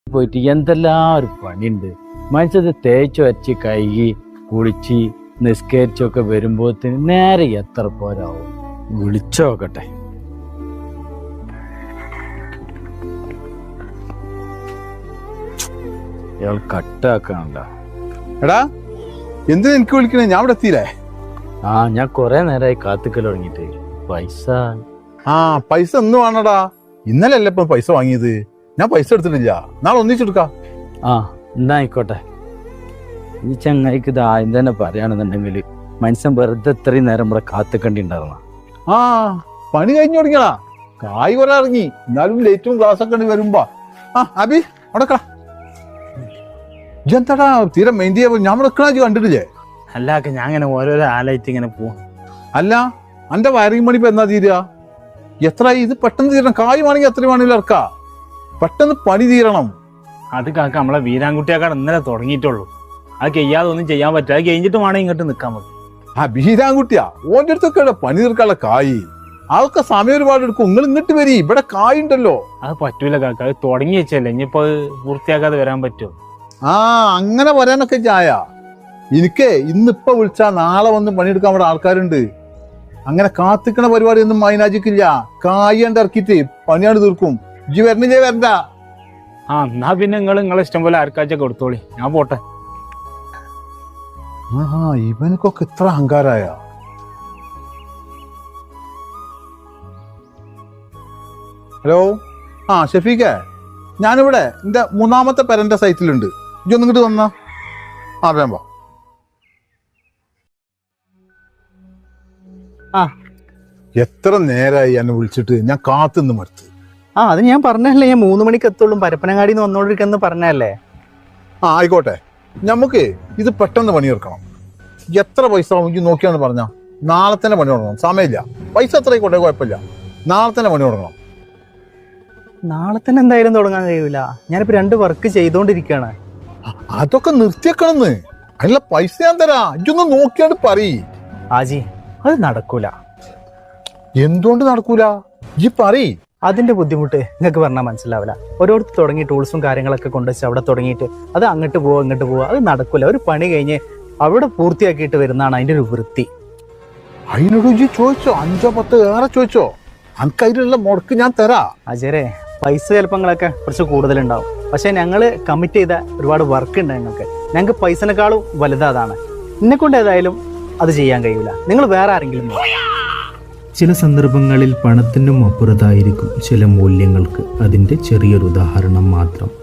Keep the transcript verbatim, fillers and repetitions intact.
പോയിട്ട് എന്തെല്ലാം ഒരു പണിയുണ്ട്. മനുഷ്യത് തേച്ച് വച്ച് കഴുകി കുളിച്ച് നിസ്കരിച്ചൊക്കെ വരുമ്പോഴത്തേന് നേരെ എത്ര പോരാവും. വിളിച്ചോക്കട്ടെ. ഇയാൾ കട്ടാക്കണ്ട. എടാ എന്തിനാ എനിക്ക് വിളിക്കണേ? ഞാൻ ഇവിടെ എത്തിയില്ലേ? ആ ഞാൻ കൊറേ നേരമായി കാത്തുക്കൽ തുടങ്ങിട്ട്. പൈസ ആ പൈസ എന്ന് വേണടാ. ഇന്നലെ അല്ലേ ഇപ്പൊ പൈസ വാങ്ങിയത്. ഞാൻ പൈസ എടുത്തിട്ടില്ല. നാളെ ഒന്നിച്ചെടുക്കാം. ആ എന്നാ ആയിക്കോട്ടെ. ഈ ചങ്ങായിക്ക് ഇത് ആദ്യം തന്നെ പറയാണെന്നുണ്ടെങ്കിൽ മനുഷ്യൻ വെറുതെ ഇത്രയും നേരം ഇവിടെ കാത്തുക്കണ്ടി ഉണ്ടാവുന്ന. ആ പണി കഴിഞ്ഞു തുടങ്ങിയടാ. കായ് കുറെ ഇറങ്ങി. എന്നാലും ലേറ്റും ഗ്ലാസ് ഒക്കെ വരുമ്പോ ആ അബി അവിടെ എന്താടാ തീരെ മെയിൻ ചെയ്യാ. ഞാൻ വെക്കണ കണ്ടിട്ടില്ലേ? അല്ലാക്കെ ഞാൻ ഇങ്ങനെ ഓരോരോ ആലായിട്ട് ഇങ്ങനെ പോവാ. അല്ല അന്റെ വയറിംഗ് പണി ഇപ്പൊ എന്നാ തീരുക? എത്ര ഇത് പെട്ടെന്ന് തീരണം. കായ് വേണമെങ്കിൽ എത്ര വേണമെങ്കിലും ഇറക്കാ. പെട്ടെന്ന് പണി തീരണം. അത് കാക്ക നമ്മളെ വീരാൻകുട്ടിയാക്കാട് ഇന്നലെ തുടങ്ങിയിട്ടുള്ളൂ. അത് കഴിയാതെ ഒന്നും ചെയ്യാൻ പറ്റും. അത് കഴിഞ്ഞിട്ട് വേണം ഇങ്ങോട്ട് നിൽക്കാൻ പറ്റും. ആ വീരാൻകുട്ടിയാ ഓന്റെ അടുത്തൊക്കെ പണി തീർക്കാനുള്ള കായ്. അതൊക്കെ സമയം ഒരുപാട് എടുക്കും. നിങ്ങൾ ഇങ്ങോട്ട് വരി. ഇവിടെ കായ് ഉണ്ടല്ലോ. അത് പറ്റൂല കാക്ക. അത് തുടങ്ങി വെച്ചല്ലേ. ഇനിയിപ്പോ അത് പൂർത്തിയാക്കാതെ വരാൻ പറ്റുമോ? ആ അങ്ങനെ വരാനൊക്കെ ചായ. എനിക്ക് ഇന്നിപ്പോ വിളിച്ചാ നാളെ വന്ന് പണിയെടുക്കാൻ അവിടെ ആൾക്കാരുണ്ട്. അങ്ങനെ കാത്തിക്കണ പരിപാടി ഒന്നും മൈനാജിക്കില്ല. കായ് കണ്ട് ഇറക്കിട്ട് പണിയാണ് തീർക്കും. ഇജ്ജ് വരണില്ലേ? വരണ്ട. ആ എന്നാ പിന്നെ നിങ്ങൾ നിങ്ങളെ ഇഷ്ടം പോലെ ആർക്കാഴ്ച കൊടുത്തോളി. ഞാൻ പോട്ടെ. ആ ഇവനക്കൊക്കെ ഇത്ര അഹങ്കാരായ. ഹലോ ആ ഷഫീഖേ, ഞാനിവിടെ എന്റെ മൂന്നാമത്തെ പെരന്റെ സൈറ്റിലുണ്ട്. ഇജ്ജ് ഒന്നും ഇങ്ങോട്ട് വന്നാ. ആ വേമ്പോ. ആ എത്ര നേരായി എന്നെ വിളിച്ചിട്ട്. ഞാൻ കാത്തുനിന്ന് മടുത്ത്. ആ അത് ഞാൻ പറഞ്ഞല്ലേ, ഞാൻ മൂന്ന് മണിക്ക് എത്തുള്ളൂ. പരപ്പനങ്ങാടി നിന്ന് വന്നോണ്ടിരിക്കുന്ന പറഞ്ഞല്ലേ. ആ ആയിക്കോട്ടെ. നമുക്ക് ഇത് പെട്ടെന്ന് പണി തീർക്കണം. എത്ര പൈസ എനിക്ക് നോക്കിയാന്ന് പറഞ്ഞാ നാളെ തന്നെ പണി തുടങ്ങണം. സമയമില്ല. പൈസ എത്ര ആയിക്കോട്ടെ, കുഴപ്പമില്ല. നാളെ തന്നെ പണി തുടങ്ങണം. നാളെ തന്നെ എന്തായാലും തുടങ്ങാൻ കഴിയൂല. ഞാനിപ്പോ രണ്ട് വർക്ക് ചെയ്തോണ്ടിരിക്കുകയാണ്. അതൊക്കെ നിർത്തിയേക്കണമെന്ന്. അതിനുള്ള പൈസ ഞാൻ തരാ. ഇതൊന്ന് നോക്കിയാണ്ട് പറയ്. ആജി അത് നടക്കൂല. എന്തുകൊണ്ട് നടക്കൂല? ഈ പറയ്. അതിന്റെ ബുദ്ധിമുട്ട് നിങ്ങൾക്ക് പറഞ്ഞാൽ മനസ്സിലാവില്ല. ഓരോരുത്തർ തുടങ്ങി ടൂൾസും കാര്യങ്ങളൊക്കെ കൊണ്ടുവച്ച് അവിടെ തുടങ്ങിയിട്ട് അത് അങ്ങോട്ട് പോവാ ഇങ്ങോട്ട് പോവാ. അത് നടക്കൂല. ഒരു പണി കഴിഞ്ഞ് അവിടെ പൂർത്തിയാക്കിയിട്ട് വരുന്നതാണ് അതിന്റെ ഒരു വൃത്തി. അതിനോട് ഇജ്ജ് ചോദിച്ചോ? അഞ്ചോ പത്തോ ഏറെ ചോദിച്ചോ? അനക്ക് അതിലുള്ള മുടക്ക് ഞാൻ തരാ. അജയരെ പൈസ ചിലപ്പങ്ങളൊക്കെ കുറച്ച് കൂടുതലുണ്ടാവും. പക്ഷെ ഞങ്ങള് കമ്മിറ്റ് ചെയ്ത ഒരുപാട് വർക്ക് ഉണ്ട് ഞങ്ങൾക്ക്. ഞങ്ങൾക്ക് പൈസനേക്കാളും വലുതാണ്. എന്നെ കൊണ്ട് ഏതായാലും അത് ചെയ്യാൻ കഴിയൂല. നിങ്ങൾ വേറെ ആരെങ്കിലും. ചില സന്ദർഭങ്ങളിൽ പണത്തിനും അപ്പുറത്തായിരിക്കും ചില മൂല്യങ്ങൾക്ക്. അതിൻ്റെ ചെറിയൊരു ഉദാഹരണം മാത്രം.